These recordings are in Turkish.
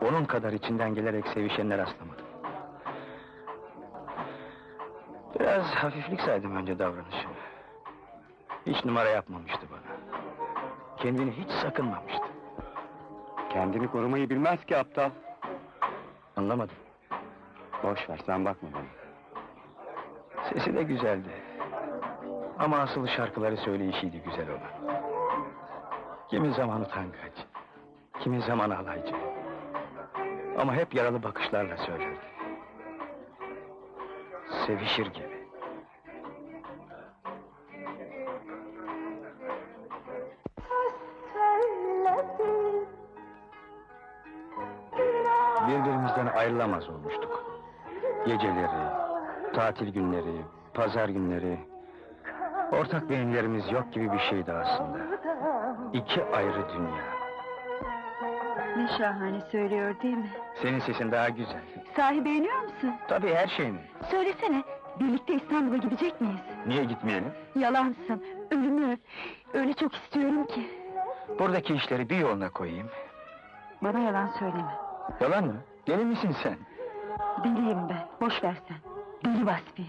Onun kadar içinden gelerek sevişenler rastlamadım. Biraz hafiflik saydım önce davranışını. Hiç numara yapmamıştı bana. Kendini hiç sakınmamıştı. Kendini korumayı bilmez ki aptal. Anlamadım. Boş ver, sen bakma bana. Sesi de güzeldi. Ama asıl şarkıları söyleyişiydi güzel olan. Kimi zaman utangaç, kimi zaman alaycı. Ama hep yaralı bakışlarla söylerdi. Sevişir gibi. Birbirimizden ayrılamaz olmuştuk. Geceleri, tatil günleri, pazar günleri... Ortak beyinlerimiz yok gibi bir şeydi aslında. İki ayrı dünya. Ne şahane söylüyor değil mi? Senin sesin daha güzel. Sahi beğeniyor musun? Tabii her şey mi? Söylesene, birlikte İstanbul'a gidecek miyiz? Niye gitmeyelim? Yalansın, ölümü öyle çok istiyorum ki. Buradaki işleri bir yoluna koyayım. Bana yalan söyleme. Yalan mı? Deli misin sen? Deliyim ben, boş ver sen. Deli Vasfiye.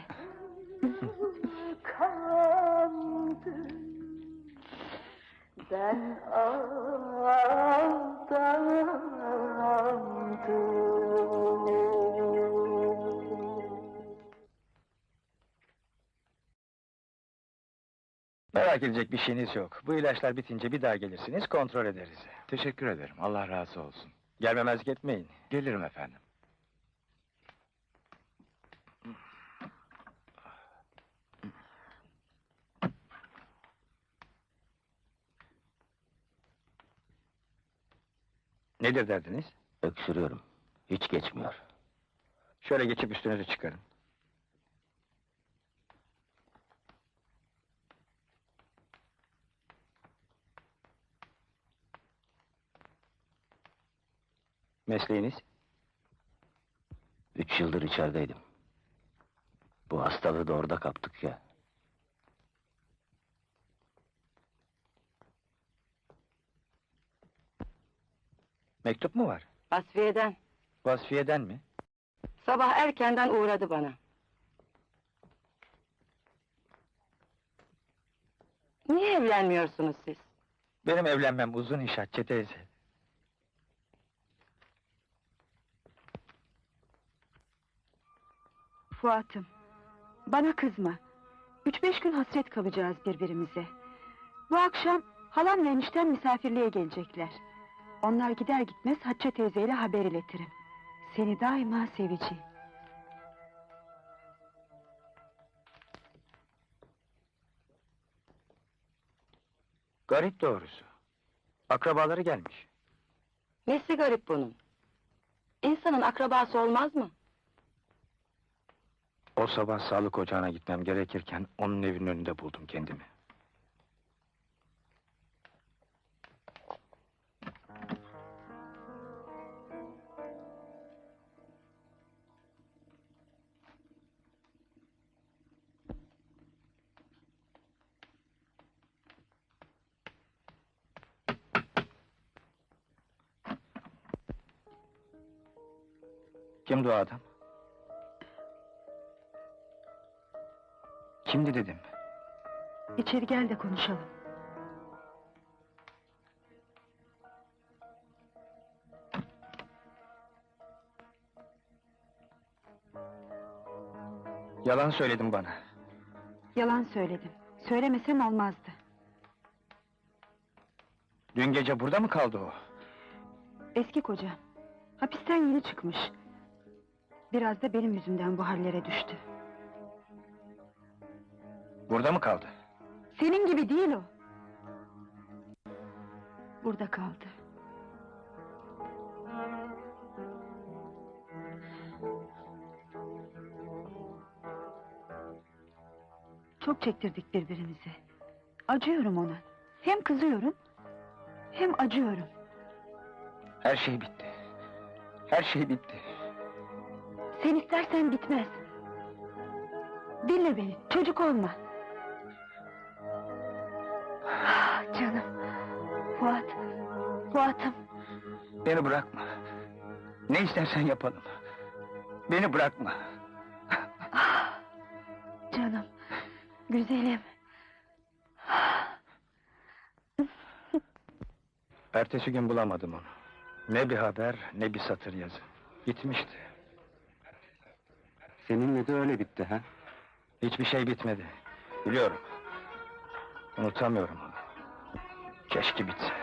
Ben Merak edecek bir şeyiniz yok. Bu ilaçlar bitince bir daha gelirsiniz, kontrol ederiz. Teşekkür ederim, Allah razı olsun. Gelmemezlik etmeyin. Gelirim efendim. Nedir derdiniz? Öksürüyorum, hiç geçmiyor. Şöyle geçip üstünüzü çıkarın. Mesleğiniz? 3 yıldır içerideydim. Bu hastalığı da orada kaptık ya. Mektup mu var? Vasfiye'den. Vasfiye'den mi? Sabah erkenden uğradı bana. Niye evlenmiyorsunuz siz? Benim evlenmem uzun iş Hatice teyze. Fuat'ım, bana kızma. 3-5 gün hasret kalacağız birbirimize. Bu akşam halam ve eniştem misafirliğe gelecekler. Onlar gider gitmez Hatice teyzeyle haber iletirim. Seni daima seveceğim. Garip doğrusu. Akrabaları gelmiş. Nesi garip bunun? İnsanın akrabası olmaz mı? O sabah sağlık ocağına gitmem gerekirken onun evinin önünde buldum kendimi. Kimdi o adam? Kimdi dedim. İçeri gel de konuşalım. Yalan söyledin bana. Yalan söyledim. Söylemesem olmazdı. Dün gece burada mı kaldı o? Eski kocam. Hapisten yeni çıkmış. Biraz da benim yüzümden bu hallere düştü. Burada mı kaldı? Senin gibi değil o. Burada kaldı. Çok çektirdik birbirimize. Acıyorum ona. Hem kızıyorum, hem acıyorum. Her şey bitti. Her şey bitti. Sen istersen bitmez. Dinle beni, çocuk olma. Ah, canım, Fuat, Fuat'ım. Beni bırakma. Ne istersen yapalım. Beni bırakma. Canım, güzelim. Ertesi gün bulamadım onu. Ne bir haber, ne bir satır yazı. Gitmişti. Seninle de öyle bitti ha? Hiçbir şey bitmedi. Biliyorum. Unutamıyorum onu. Keşke bitse.